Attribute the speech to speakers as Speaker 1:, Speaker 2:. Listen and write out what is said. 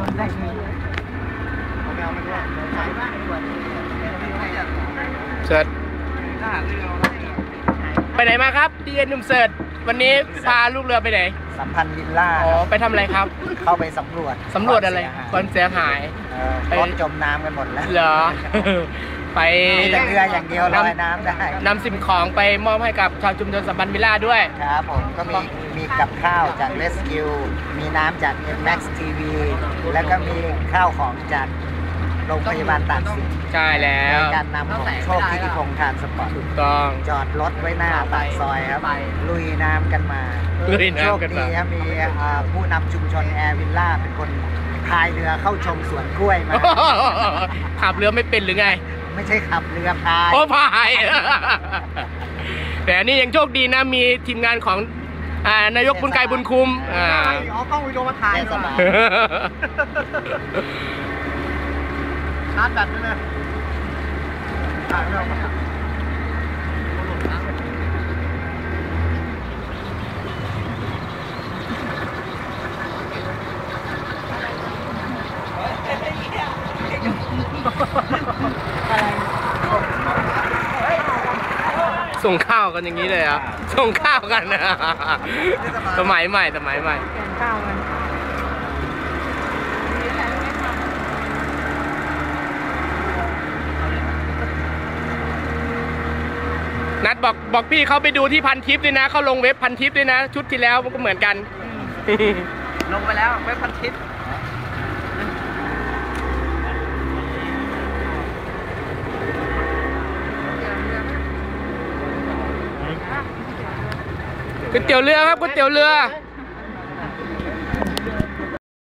Speaker 1: เสิร์ชไปไหนมาครับดีเอ็นหนุ่มเสิร์ชวันนี้พาลูกเรือไปไหน
Speaker 2: สัมพันธ์วิลล่า
Speaker 1: อ๋อไปทำอะไรครับ
Speaker 2: เข้าไปสำรวจ
Speaker 1: อะไรความเสียหาย
Speaker 2: รถจมน้ำกันหมดแล้ว
Speaker 1: เหรอไป
Speaker 2: แต่เรืออย่างเดียวลอยน้ำได้
Speaker 1: นำสิ่งของไปมอบให้กับชาวชุมชนสัมพันธ์วิลล่าด้วย
Speaker 2: ครับผมก็มีกับข้าวจาก Rescue มีน้ำจาก Max TV แล้วก็มีข้าวของจากโรงพยาบาลตากสิน
Speaker 1: ใช่แล้ว
Speaker 2: ในการนำของโชคที่พงษ์ทานสปอร์ต
Speaker 1: ถูกต้อง
Speaker 2: จอดรถไว้หน้าปากซอยครับลุยน้ำกันมาโชคดีครับมีผู้นำชุมชนแอร์วิลล่าเป็นคนพายเรือเข้าชมสวนกล้วยมา
Speaker 1: ขับเรือไม่เป็นหรือไง
Speaker 2: ไม่ใช่ขับเรือพาย
Speaker 1: พายแต่นี่ยังโชคดีนะมีทีมงานของนายกบุญไกรบุญคุ้ม
Speaker 2: เอากล้องวิดีโอมาถ่ายสบายชาร์จแบตด้วยนะถ่ายไม่ออกมา
Speaker 1: ส่งข้าวกันอย่างนี้เลยอ่ะส่งข้าวกันนะสมัยใหม่ข้าวกันนัดบอกพี่เขาไปดูที่พันทิปด้วยนะเขาลงเว็บพันทิปด้วยนะชุดที่แล้วมันก็เหมือนกัน
Speaker 2: ลงไปแล้วเว็บพันทิป
Speaker 1: ก๋วยเตี๋ยวเรือครับก๋วยเตี๋ยวเรือ